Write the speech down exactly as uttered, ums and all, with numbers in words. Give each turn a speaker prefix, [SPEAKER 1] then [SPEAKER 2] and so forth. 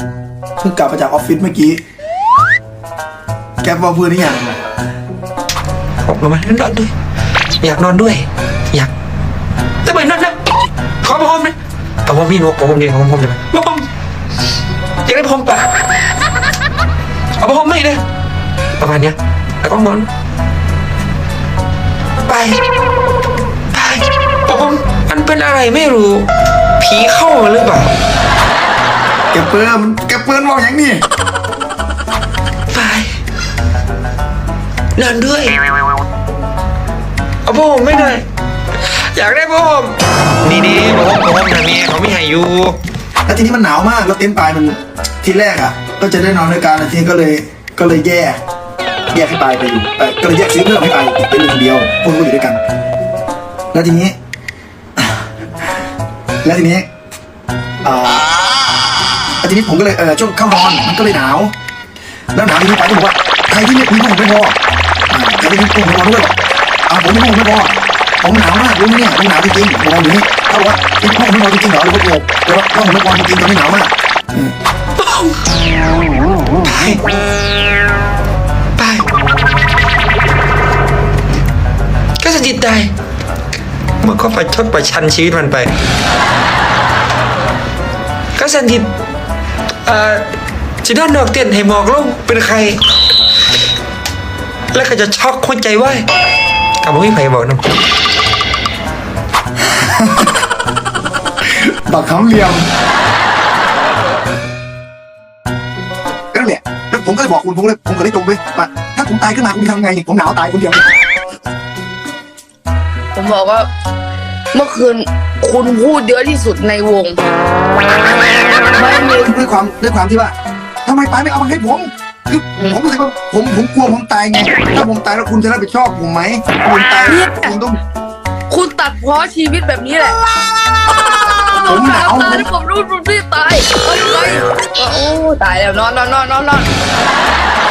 [SPEAKER 1] เพิ่งกลับมาจากออฟฟิศเมื่อกี้แกบอกเพื่อนนี่ยัง
[SPEAKER 2] ผมมานอนด้วยอยากนอนด้วยอยากจะไปนอนนะขอผมนะเอาผมพี่นกผมผมดีผมผมจะไปผมอยากได้ผมปะเอาผมไม่เลยประมาณเนี้ยแล้วก็นอนไปไปผมมันเป็นอะไรไม่รู้ผีเข้าหรือเปล่า
[SPEAKER 1] แกเปิ้ลแกเปิ้ลบอกอย่างนี้
[SPEAKER 2] ไปนอนด้วยเอาผมไม่ได้อยากได้ผมนี่นี่ผมผมนะเมียเขาไม่ให้อยู่
[SPEAKER 1] แล้วทีนี้มันหนาวมากแล้วเต็นท์ปลายมันทีแรกอ่ะก็จะได้นอนด้วยกันทีนี้ก็เลยก็เลยแยกแยกให้ปลายไปอยู่ก็เลยแยกซื้อเพิ่มให้ปลายเป็นคนเดียวพวกเราอยู่ด้วยกันแล้วทีนี้แล้วทีนี้อ่าแล้วทีนี้ผมก็เลยเออช่วงเข้านอนมันก็เลยหนาวแล้วหนาวทีนี้ปลายก็บอกว่าใครที่ไม่มีผ้าห่มไม่พอใครที่มีผ้าห่มไม่พอด้วยอ่าผมมีผ้าห่มไม่พอผมหนาวมากรู้ไหมเนี่ยผมหนาวจริงๆผมนอนอยู่นี่เขาบอกว่ามีผ้าห่มไม่พอจริงๆเหรอหรือว่าโกหกหรือว่าผ้าห่มไม่พอจริงๆตอนนี้หนาวมาก
[SPEAKER 2] ไปไปก็จะจิตใจมันก็ไปชดประชันชีวิตมันไปก็สันติเอ่อจะด้านนอกเตียนให้หมอกลงเป็นใครแล้วก็จะช็อกคนใจไหวกับพี่ไผ่บอกนะ
[SPEAKER 1] บักคำเหลี่ยมนั่นแหละแล้วผมก็เลยบอกคุณผมเลยผมก็เลยตรงไปว่าถ้าผมตายขึ้นมาคุณทำไงผมหนาวตายคนเดียว
[SPEAKER 3] ผมบอกว่าเมื่อคืนคุณพูดเยอะที่สุดในวงไม่มี
[SPEAKER 1] ด้วยความด้วยความที่ว่าทำไมปายไม่เอามาให้ผมคือผมรู้สึกว่าผมผมกลัวผมตายไงถ้าผมตายแล้วคุณจะรับผิดชอบผมไหมคุณตายคุณต้อง
[SPEAKER 3] คุณตัดพ้อชีวิตแบบนี้แหละ
[SPEAKER 1] ผมหนาว
[SPEAKER 3] ตายแล้วผมรู้รู้ที่ตายโอ้ตายแล้วนอนนอนนอนนอน